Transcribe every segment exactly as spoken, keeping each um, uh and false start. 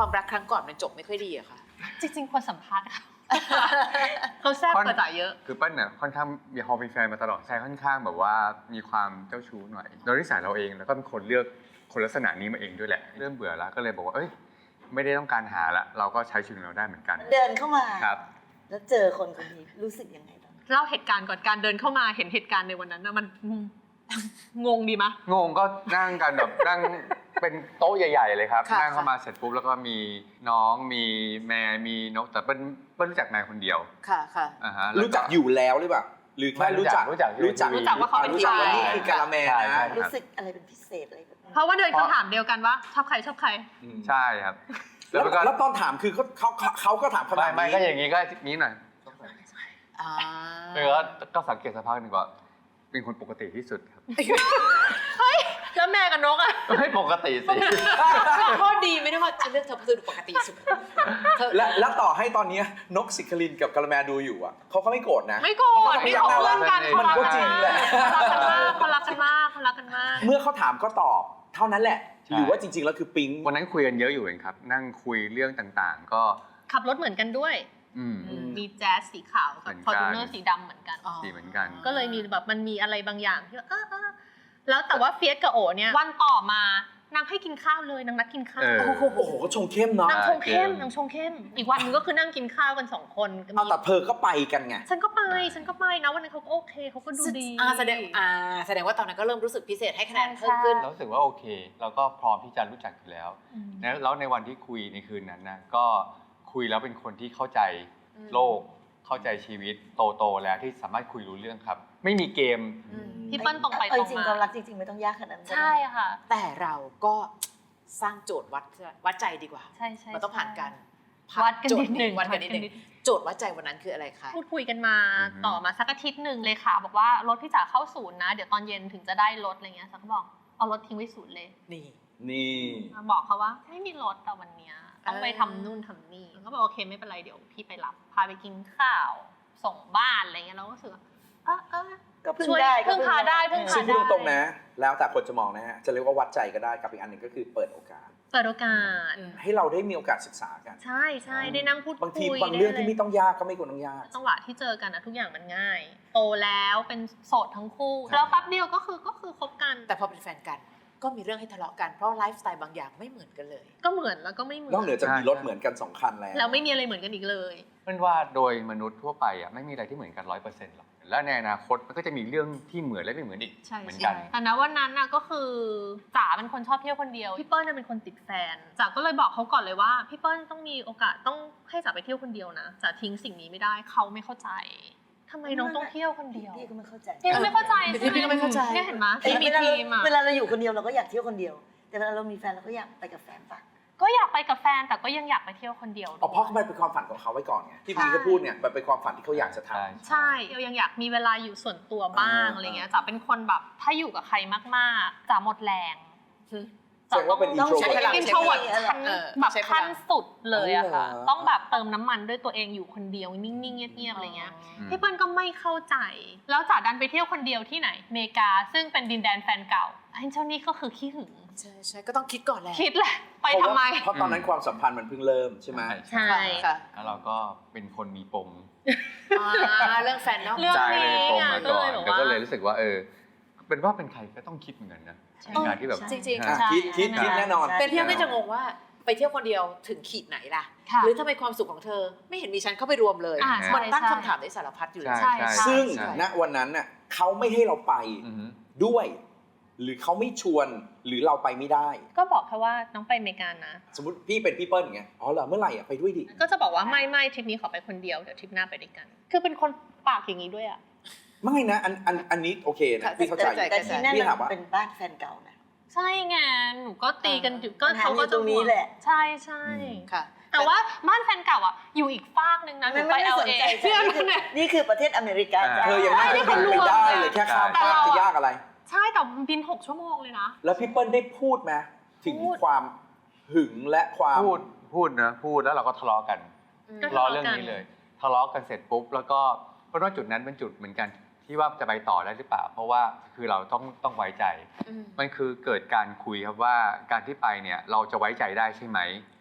ความรักครั้งก่อนมันจบไม่ค่อยดีอะค่ะจริงๆควรสัมภาษณ์เขาแซ่บกว่าจ๋าเยอะคือเปิ้ลเนี่ยค่อนข้างมีพอเป็นแฟนมาตลอดใช่ค่อนข้างแบบว่ามีความเจ้าชู้หน่อยโดยนิสัยเราเองแล้วก็เป็นคนเลือกคนลักษณะนี้มาเองด้วยแหละเริ่มเบื่อแล้วก็เลยบอกว่าเอ้ยไม่ได้ต้องการหาละเราก็ใช้ชีวิตเราได้เหมือนกันเดินเข้ามาครับแล้วเจอคนคนนี้รู้สึกยังไงบ้างเล่าเหตุการณ์ก่อนการเดินเข้ามาเห็นเหตุการณ์ในวันนั้นนะมันงงดีมะงงก็นั่งกันแบบนั่งเป็นโต๊ะใหญ่ๆเลยครับนั่งเข้ามาเสร็จปุ๊บแล้วก็มีน้องมีแม่มีนกแต่เปิ้ลเปิ้ลรู้จักแม่คนเดียวค่ะค่ะรู้จักอยู่แล้วหรือเปล่าหรือแค่รู้จักรู้จักรู้จักรู้จักว่าเขาเป็นใครนี่คือกะละแมนะรู้สึกอะไรเป็นพิเศษอะไรแบบเพราะว่าเดินคำถามเดียวกันว่าชอบใครชอบใครใช่ครับแล้วตอนถามคือเขาเขาเขาก็ถามขนาดนี้ไม่ก็อย่างนี้ก็นี้หน่อยแล้วก็สังเกตสภาพหนึ่งว่าเป็นคนปกติที่สุดครับเฮ้ยแล้วแม่กับนกอ่ะไม่ปกติสิข้อดีไม่ได้ว่าจะเลือกเธอเพราะเธอดูปกติสุดและแล้วต่อให้ตอนนี้นกศิครินกับกะละแมดูอยู่อ่ะเขาก็ไม่โกรธนะไม่โกรธนี่เขาเพื่อนกันมันก็จริงแหละเขารักกันมากเขารักกันมากเมื่อเขาถามก็ตอบเท่านั้นแหละหรือว่าจริงๆแล้วคือปิ๊งวันนั้นคุยกันเยอะอยู่เองครับนั่งคุยเรื่องต่างๆก็ขับรถเหมือนกันด้วยมีแจ๊สสีขาวกับฟอร์จูเนอร์สีดำเหมือนกันสีเหมือนกันก็เลยมีแบบมันมีอะไรบางอย่างที่ว่าเออเออแล้วแต่ว่าเฟียสกับโอเนี่ยวันต่อมานางให้กินข้าวเลยนางนัดกินข้าวโอ้โหก็ชงเข้มเนาะนางชงเข้มนางชงเข้มอีกวันนึงก็คือนั่งกินข้าวกันสองคนเอาแต่เธอก็ไปกันไงฉันก็ไปฉันก็ไปนะวันนั้นเขาก็โอเคเขาก็ดูดีอ่าแสดงอ่าแสดงว่าตอนนั้นก็เริ่มรู้สึกพิเศษให้คะแนนเพิ่มขึ้นรู้สึกว่าโอเคเราก็พร้อมที่จะรู้จักอยู่แล้วแล้วในวันที่คุยในคืนนั้นนะก็คุยแล้วเป็นคนที่เข้าใจโลกเข้าใจชีวิตโตๆแล้วที่สามารถคุยรู้เรื่องครับไม่มีเกมพี่เปิ้ลตรงไปตรงมาจริงความรักจริงๆไม่ต้องยากขนาดนั้นใช่ค่ะแต่เราก็สร้างโจทย์วัดวัดใจดีกว่าใช่ใช่มันต้องผ่านกันวัดกันนิดหนึ่งวัดกันนิดหนึ่งโจทย์วัดใจวันนั้นคืออะไรคะพูดคุยกันมาต่อมาสักอาทิตย์หนึ่งเลยค่ะบอกว่ารถพี่จ๋าเข้าศูนย์นะเดี๋ยวตอนเย็นถึงจะได้รถอะไรเงี้ยสักบอกเอารถทิ้งไว้ศูนย์เลยนี่นี่บอกเขาว่าไม่มีรถแต่วันเนี้ยต้องไปทำนู่นทำนี่เขาบอกโอเคไม่เป็นไรเดี๋ยวพี่ไปรับพาไปกินข้าวส่งบ้านอะไรเงี้ยเราก็รู้สึกเออเออก็พึ่งได้พึ่งพาได้พึ่งพาได้ซึ่งพูดตรงๆนะแล้วแต่คนจะมองนะฮะจะเรียกว่าวัดใจก็ได้กับอีกอันหนึ่งก็คือเปิดโอกาสเปิดโอกาสให้เราได้มีโอกาสศึกษากันใช่ใช่ได้นั่งพูดคุยบางทีบางเรื่องที่ไม่ต้องยากก็ไม่ควรต้องยากจังหวะที่เจอกันนะทุกอย่างมันง่ายโตแล้วเป็นโสดทั้งคู่แล้วแป๊บเดียวก็คือก็คือคบกันแต่พอเป็นแฟนกันก็มีเรื่องให้ทะเลาะกันเพราะไลฟ์สไตล์บางอย่างไม่เหมือนกันเลยก็เหมือนแล้วก็ไม่เหมือนนอกเหนือจากมีรถเหมือนกันสองคันแล้วแล้วไม่มีอะไรเหมือนกันอีกเลยเป็นว่าโดยมนุษย์ทั่วไปอ่ะไม่มีอะไรที่เหมือนกันร้อยเปอร์เซ็นต์หรอกและในอนาคตมันก็จะมีเรื่องที่เหมือนและไม่เหมือนอีกเหมือนกันแต่นะวันนั้นน่ะก็คือจ๋าเป็นคนชอบเที่ยวคนเดียวพี่เปิ้ลน่ะเป็นคนติดแฟนจ๋าก็เลยบอกเขาก่อนเลยว่าพี่เปิ้ลต้องมีโอกาสต้องให้จ๋าไปเที่ยวคนเดียวนะจ๋าทิ้งสิ่งนี้ไม่ได้เขาไม่เข้าใจทำไมน้องต้องเที่ยวคนเดียวพี่ก็ไม่เข้าใจพี่ก็ไม่เข้าใจพี่ก็ไม่เข้าใจเนี่ยเห็นไหมที่มีทีมอ่ะเวลาเราอยู่คนเดียวเราก็อยากเที่ยวคนเดียวแต่เวลาเรามีแฟนเราก็อยากไปกับแฟนปะก็อยากไปกับแฟนแต่ก็ยังอยากไปเที่ยวคนเดียวอ๋อเพราะมันเป็นความฝันของเขาไว้ก่อนไงที่พี่ก็พูดเนี่ยมันเป็นความฝันที่เขาอยากจะทำใช่เรายังอยากมีเวลาอยู่ส่วนตัวบ้างอะไรเงี้ยจ๋าเป็นคนแบบถ้าอยู่กับใครมากๆจ๋าหมดแรงแสดงว่าเป็นอินโทรเวิร์ตอินโทรเวิร์ตขั้นแบบขั้นสุดเลยอะค่ะต้องแบบเติมน้ำมันด้วยตัวเองอยู่คนเดียวนิ่งๆเงียบๆอะไรเงี้ยพี่เปิ้ลก็ไม่เข้าใจแล้วจ๋าดันไปเที่ยวคนเดียวที่ไหนอเมริกาซึ่งเป็นดินแดนแฟนเก่าไอ้เจ้านี่ก็คือขี้หึงใช่ใช่ก็ต้องคิดก่อนแหละคิดแหละไปทำไมเพราะตอนนั้นความสัมพันธ์มันเพิ่งเริ่มใช่ไหมใช่ค่ะแล้วเราก็เป็นคนมีปมเรื่องแฟนเนาะใจเลยปมมาก่อนแล้วก็เลยรู้สึกว่าเออเป็นว่าเป็นใครก็ต้องคิดเหมือนกันนะการที่แบบจริงๆคิดคิดคิดแน่นอนเป็นพี่ก็จะงงว่าไปเที่ยวคนเดียวถึงขีดไหนล่ะหรือทำไมความสุขของเธอไม่เห็นมีฉันเข้าไปรวมเลยมันตั้งคำถามในสารพัดอยู่เลยซึ่งณวันนั้นน่ะเขาไม่ให้เราไปด้วยหรือเขาไม่ชวนหรือเราไปไม่ได้ก็บอกแค่ว่าน้องไปอเมริกานะสมมติพี่เป็นพี่เปิ้ลอย่างเงี้ยอ๋อเหรอเมื่อไหร่อ่ะไปด้วยดิก็จะบอกว่าไม่ไม่ทริปนี้ขอไปคนเดียวเดี๋ยวทริปหน้าไปด้วยกันคือเป็นคนปากอย่างนี้ด้วยอ่ะไม่นะอันอันอันนี้โอเคนะพี่เข้าใจแต่ที่นั่นเป็นบ้านแฟนเก่านะใช่ไงหนูก็ตีกันอยู่ก็เขาก็ตรงนี้แหละใช่ใช่ค่ะแต่ว่าบ้านแฟนเก่าอ่ะอยู่อีกฟากนึงนะหนูไป แอล เอนี่คือประเทศอเมริกาเธอยังนั่งเครื่องบินไปได้เลยแค่ข้ามฟากจะยากอะไรใช่แต่บินหกชั่วโมงเลยนะแล้วพี่เปิ้ลได้พูดไหมถึงความหึงและความพูดพูดนะพูดแล้วเราก็ทะเลาะกันทะเลาะเรื่องนี้เลยทะเลาะกันเสร็จปุ๊บแล้วก็เพราะว่าจุดนั้นเป็นจุดเหมือนกันที่ว่าจะไปต่อได้หรือเปล่าเพราะว่าคือเราต้องต้องไว้ใจมันคือเกิดการคุยครับว่าการที่ไปเนี่ยเราจะไว้ใจได้ใช่ไหม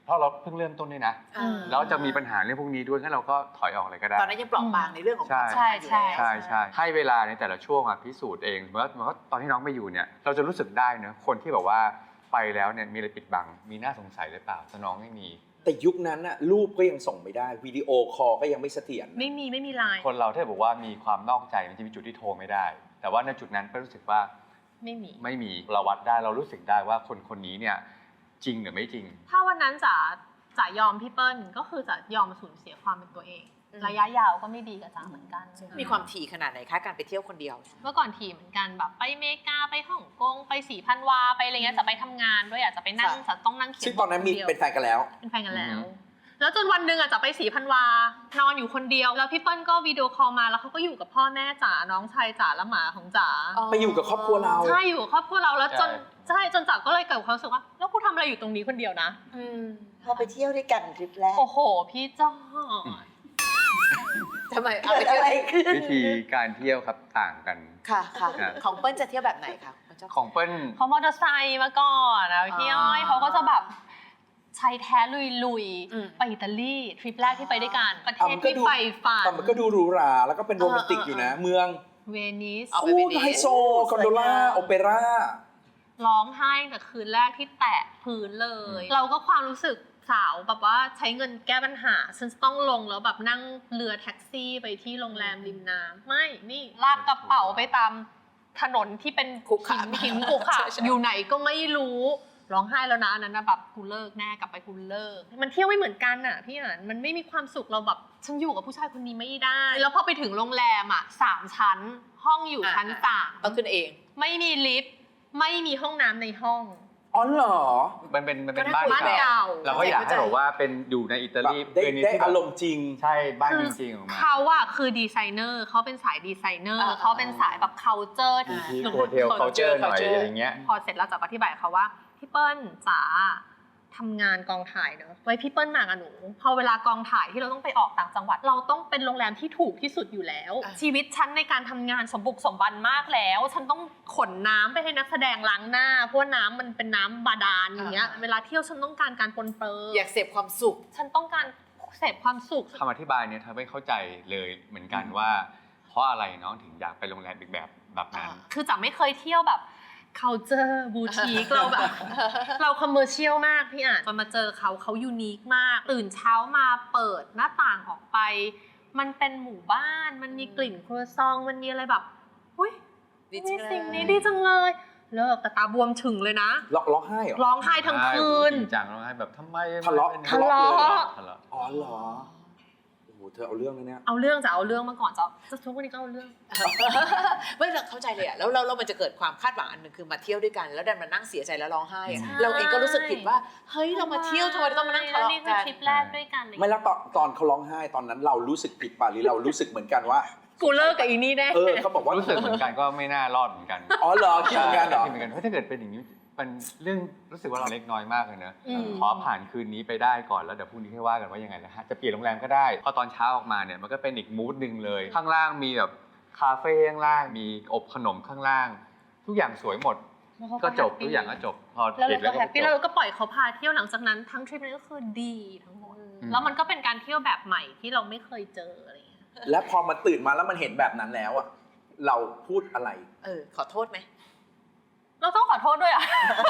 เพราะเราเพิ่งเริ่มต้นด้วยนะอ่าแล้วจะมีปัญหาเรื่องพวกนี้ด้วยงั้นเราก็ถอยออกเลยก็ได้ตอนนั้นยังเปราะบางในเรื่องของความสัมใช่พันธ์อยู่ใช่แล้วใช่ใช่ให้เวลาในแต่ละช่วงอะพิสูจน์เองเมื่อเมื่อตอนที่น้องไปอยู่เนี่ยเราจะรู้สึกได้เนอะคนที่แบบว่าไปแล้วเนี่ยมีอะไรปิดบังมีน่าสงสัยหรือเปล่าแต่น้องไม่มีแต่ยุคนั้นน่ะรูปก็ยังส่งไม่ได้วิดีโอคอลก็ยังไม่เสถียรไม่มีไม่มีไลน์คนเราถ้าบอกว่ามีความนอกใจมันจะมีจุดที่โทรไม่ได้ แต่ว่าในจุดนั้นก็รู้สึกว่าไม่มีไม่มีเราวัดได้เรารู้สึกได้ว่าคนคนนี้เนี่ยจริงหรือไม่จริงถ้าวันนั้นจ๋าจ๋ายอมพี่เปิ้ลก็คือจ๋ายอมสูญเสียความเป็นตัวเองอืมระยะยาวก็ไม่ดีกับจ๋าเหมือนกันมีความถี่ขนาดไหนคะการไปเที่ยวคนเดียวเมื่อก่อนทีเหมือนกันแบบไปอเมริกาไปฮ่องกงไปสีพันวาไปอะไรเงี้ยจะไปทำงานด้วยอ่ะจะไปนั่งค่ะจะต้องนั่งเขียนซึ่งตอนนั้นมีคดียวเป็นแฟนกันแล้วเป็นแฟนกันแล้วอืมแล้วจนวันหนึ่งอ่ะจะไปสีพันวานอนอยู่คนเดียวแล้วพี่เปิ้ลก็วิดีโอคอลมาแล้วเขาก็อยู่กับพ่อแม่จ๋าน้องชายจ๋าและหมาของจ๋าไปอยู่กับครอบครัวเราใช่อยู่กับครอบครัวเราแล้วจนใช่ใช่จนจ๋าก็เลยเกิดความรู้สึกว่าแล้วกูทำอะไรอยู่ตรงนี้คนเดียวนะอืมพอไปเที่ยวด้วยกันทริปแรกโอ้โหพี่จอดทำไมเอาเกิไปดเที่ยวอะไรขึ้นวิธีการเที่ยวครับต่างกันค่ะค่ะครับของเปิ้ลจะเที่ยวแบบไหนคะคุณเจ้าของเปิ้ลเขามอเตอร์ไซค์มาก่อนนะพี่อ้อยอ่าเขาก็จะแบบชายแท้ลุยอืมๆไปอิตาลีทริปแรกที่ไปด้วยกันประเทอ่ะศมันก็ที่ดูใฝ่ฝันแต่มันก็ดูหรูหราแล้วก็เป็นโรแมนติกอยู่นะ เมืองเวนิสเอาไปโอ้เวนิสไฮโซคอนโดล่าโอเปร่าร้องไห้แต่คืนแรกที่แตะพื้นเลย เราก็ความรู้สึกสาวแบบว่าใช้เงินแก้ปัญหาฉันจะต้องลงแล้วแบบนั่งเรือแท็กซี่ไปที่โรงแรมริมน้ำไม่นี่ลากกระเป๋าไปตามถนนที่เป็นขรุขระหินหินขรุขระใช่ใช่อยู่ไหนก็ไม่รู้ร้องไห้แล้วนะอันนั้นนะแบบกูเลิกแน่กลับไปกูเลิกมันเที่ยวไม่เหมือนกันอ่ะพี่อ่านมันไม่มีความสุขเราแบบฉันอยู่กับผู้ชายคนนี้ไม่ได้ แล้วพอไปถึงโรงแรมอ่ะสามชั้น ห้องอยู่ชั้นสามต้องขึ้นเองไม่มีลิฟต์ไม่มีห้องน้ำในห้องอ๋อเหรอมันเป็นมันเป็นก็บ้านน่าคุยเก่าเก่าเราก็อยากให้บอกว่าเป็นอยู่ในอิตาแบบลีได้เวนิสได้ที่แบบอารมณ์จริงใช่บ้านคือจริงๆออกมาเขาอะคือดีไซเนอร์เขาเป็นสายดีไซเนอร์อ่าเขาเป็นสายแบบ culture อยู่ที่หนูโฮเทล culture หน่อยอะไรเงี้ยพอเสร็จแล้วจะอธิบายเขาว่าพี่เปิ้ลจ๋าทำงานกองถ่ายเนอะไว้พี่เปิ้ลมากับหนูพอเวลากองถ่ายที่เราต้องไปออกต่างจังหวัด เราต้องเป็นโรงแรมที่ถูกที่สุดอยู่แล้วอ่ะชีวิตฉันในการทำงานสมบุกสมบันมากแล้ว ฉันต้องขนน้ำไปให้นักแสดงล้างหน้าเพราะว่าน้ำมันเป็นน้ำบาดาลอย่างเงี้ยเวลาเที่ยวฉันต้องการการปนเปื้ออยากเสพความสุขฉันต้องการเสพความสุขคำอธิบายเนี่ยทำให้เข้าใจเลยเหมือนกันว่า เพราะอะไรน้องถึงอยากไปโรงแรมอีกแบบแบบนั้นคือจ๋าไม่เคยเที่ยวแบบ culture boutique เราแบบ เรา commercial มากพี่อ่านจนมาเจอเขาเขายูนิคมาก ตื่นเช้ามาเปิดหน้าต่างออกไป มันเป็นหมู่บ้าน มันมีกลิ่นครัวซอง มันมีอะไรแบบอุ้ยดีจัมีงเลยสิ่งนี้ดีจังเลย เลิกแต่ตาบวมถึงเลยนะร้องร้องไห้เหรอร้องไห้ทั้งคืนจริงจังร้องไห้แบบทำไมทะเลาะไม่ทะเลาะทะเลาะอ๋อเหรอ โอ้โห เธอเอาเรื่องเลยเนี่ยเอาเรื่องจะเอาเรื่องมาก่อนจะจะทุกวันนี้ก็เอาเรื่องไม่เราเข้าใจเลยอะแล้วเราเรามันจะเกิดความคาดหวังอันหนึ่งคือมาเที่ยวด้วยกัน แล้วดันมานั่งเสียใจแล้วร้องไห้อะใช่เราเองก็รู้สึกผิดว่าเฮ้ยเรามาเที่ยวทำไมเราต้องมานั่งทะเลาะนี่คืกัอน ทริปแรกด้วยกันไม่แล้วตอนตอนเขาร้องไห้ตอนนั้นเรารู้สึกผิดป่ะหรือเรารู้สึกเหมือนกันว่ากูเลิกกับอีนี่แน่เออเขาบอกว่ารู้สึกเหมือนกันก็ไม่น่ารอดเหมือนกันอ๋อเหรอคิดเหมือนกันเหรอคิดเหมือนกันเพราะถ้าเกิดเป็นอย่างนี้มันเรื่องรู้สึกว่าเราเล็กน้อยมากเลยเนอะอืมขอผ่านคืนนี้ไปได้ก่อนแล้วเดี๋ยวพรุ่งนี้ค่อยว่ากันว่ายังไงนะฮะจะเปลี่ยนโรงแรมก็ได้พอตอนเช้าออกมาเนี่ยมันก็เป็นอีกมูดหนึ่งเลย ข้างล่างมีแบบคาเฟ่ข้างล่างมีอบขนมข้างล่าง ทุกอย่างสวยหมดก็จบทุกอย่างก็จบพอแล้วปิเราดก็แล้วก็แฮปปี้จแล้วบเราก็ปล่อยเขาพาเที่ยวหลังจากนั้นทั้งทริปนี้ก็คือดีทั้งหมดอืมแล้วมันก็เป็นการเที่ยวแบบใหม่ที่เราไม่เคยเจออะไรอย่างเงี้ยแล้วพอมันตื่นมาแล้วมันเห็นแบบนั้นแล้วอะเราพูดอะไรเออขอโทษไหมเราต้องขอโทษด้วยอ่ะ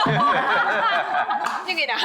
ยังไงนะ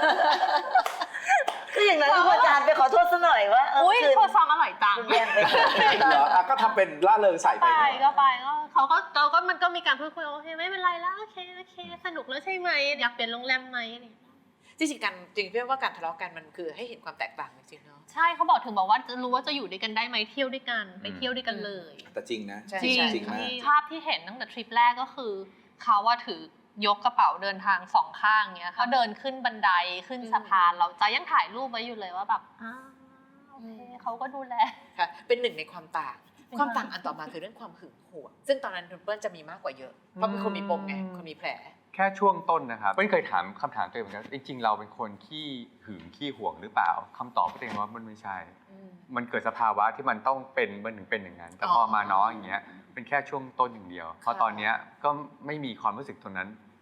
คืออย่างนั้นคืออาจารย์ไปขอโทษซะหน่อยว่าเอออุ้ยคืนโคซองอร่อยจังคุณแย่งไปก่อนเหรออ่ะก็ทำเป็นล่าเริงใส่ไปไปเนอะก็ไปก็เขาก็เราก็มันก็มีการพูดคุยโอเคไม่เป็นไรแล้วโอเคโอเคสนุกแล้วใช่ไหมอยากเปลี่ยนโรงแรมไหมอะไรอย่างเงี้ยจริงๆกันจริงๆพี่ว่าการทะเลาะกันมันคือให้เห็นความแตกต่างจริงๆเนาะใช่เขาบอกถึงบอกว่าจะรู้ว่าจะอยู่ด้วยกันได้ไหมเที่ยวด้วยกันไปเที่ยวด้วยกันเลยแต่จริงนะใช่จริงจริงมากภาพที่เห็นตั้งแต่ทริปแรกก็คือเขาว่าถือยกกระเป๋าเดินทางสองข้างเงี้ยเขาเดินขึ้นบันไดขึ้นสะพานเราจะยังถ่ายรูปไว้อยู่เลยว่าแบบอ้าวโอเคเขาก็ดูแลค่ะเป็นหนึ่งในความต่างเป็นความต่างอันต่อมาคือเรื่องความหึงหวงซึ่งตอนนั้นคุณเปิ้ลจะมีมากกว่าเยอะเพราะเป็นคนมีปมไงคนมีแผลแค่ช่วงต้นนะครับไม่เคยถามคำถามตัวเองเหมือนกันจริงๆเราเป็นคนขี้หึงขี้หวงหรือเปล่าคำตอบก็ตัวเองว่ามันไม่ใช่ มันเกิดสภาวะที่มันต้องเป็นมันถึงเป็นอย่างนั้น แต่พอมาน้องอย่างเงี้ยเป็นแค่ช่วงต้นอย่างเดียวเพราะตอนเนี้ยก็ไม่มีความรู้สึกตรงนั้น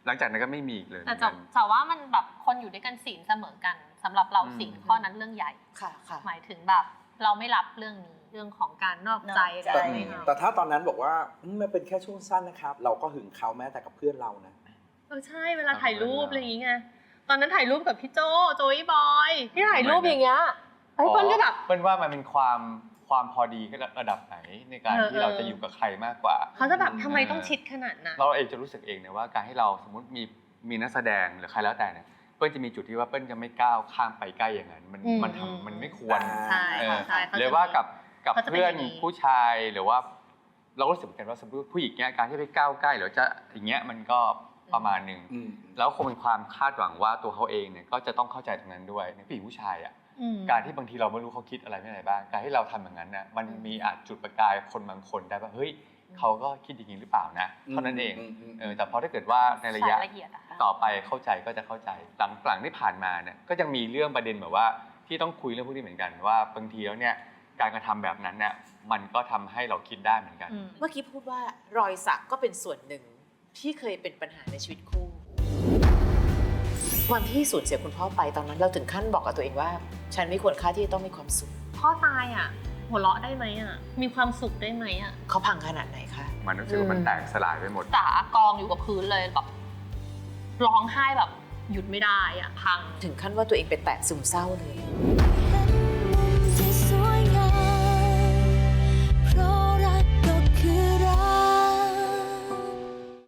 หลังจากนั้นก็ไม่มีอีกเลยแต่จะจะว่ามันแบบคนอยู่ด้วยกันศีลเสมอกันสำหรับเราศีลข้อนั้นเรื่องใหญ่ค่ะค่ะหมายถึงแบบเราไม่รับเรื่องนี้เรื่องของการนอกใจนอกใจอะไรแต่ไม่เอาแต่ถ้าตอนนั้นบอกว่าอืมมันเป็นแค่ช่วงสั้นนะครับ เราก็หึงเขาแม้แต่กับเพื่อนเรานะเออใช่เวลาถ่ายรูปอะไรอย่างเงี้ยตอนนั้นถ่ายรูปกับพี่โจโจยบอยที่ถ่ายรูปอย่างเงี้ยไอ้เปิ้ลก็แบบเปิ้ลว่ามันเป็นความความพอดีระดับไหนในการที่เราจะอยู่กับใครมากกว่าเขาจะแบบทำไมต้องชิดขนาดนั้นเราเองจะรู้สึกเองนะว่าการให้เราสมมติมีมีนักแสดงหรือใครแล้วแต่เนี่ยเปิ้ลจะมีจุดที่ว่าเปิ้ลจะไม่ก้าวข้ามไปใกล้อย่างนั้นมันอืมมันทำมันไม่ควรใช่เออใช่ขจะหรือว่ากับกับเขาจะเป็นเพื่อนอย่างนี้ผู้ชายหรือว่า เราก็รู้สึกเหมือนกันว่าสมมติผู้หญิงเนี่ยการที่ไปก้าวใกล้หรือจะอย่างเงี้ยมันก็ประมาณหนึ่งอืมแล้วคงเป็นความคาดหวังว่าตัวเขาเองเนี่ยก็จะต้องเข้าใจตรงนั้นด้วยในผู้หญิงผู้ชายอ่ะอืมการที่บางทีเราไม่รู้เขาคิดอะไรไม่อะไรบ้างการที่เราทำอย่างนั้นน่ะมันมีอาจจุดประกายคนบางคนได้ว่าเฮ้ยเขาก็คิดอย่างนี้หรือเปล่านะเท่านั้นเองอืมอืมอืมเออแต่พอถ้าเกิดว่าในระยะสายละเอียดอะต่อไปเข้าใจก็จะเข้าใจหลังหลังที่ผ่านมาเนี่ยก็ยังมีเรื่องประเด็นแบบว่าที่ต้องคุยเรื่องพวกนี้เหมือนกันว่าบางทีแล้วเนี่ยการกระทำแบบนั้นเนี่ยมันก็ทำให้เราคิดได้เหมือนกันอืมเมื่อกี้พูดว่ารอยสักก็เป็นส่วนหนึ่งที่เคยเป็นปัญหาในชีวิตคู่วันที่สูญเสียคุณพ่อไปตอนนั้นเราถึงขั้นบอกกับตัวเองว่า ฉันไม่ควรค่าที่จะต้องมีความสุขพ่อตายอ่ะหัวเราะได้ไหมอ่ะมีความสุขได้ไหมอ่ะเขาพังขนาดไหนคะมันรู้สึกว่ามันแตกสลายไปหมดจ๋ากองอยู่กับพื้นเลยแบบร้องไห้แบบหยุดไม่ได้อ่ะพังถึงขั้นว่าตัวเองเป็นแตะซึมเศร้าเลย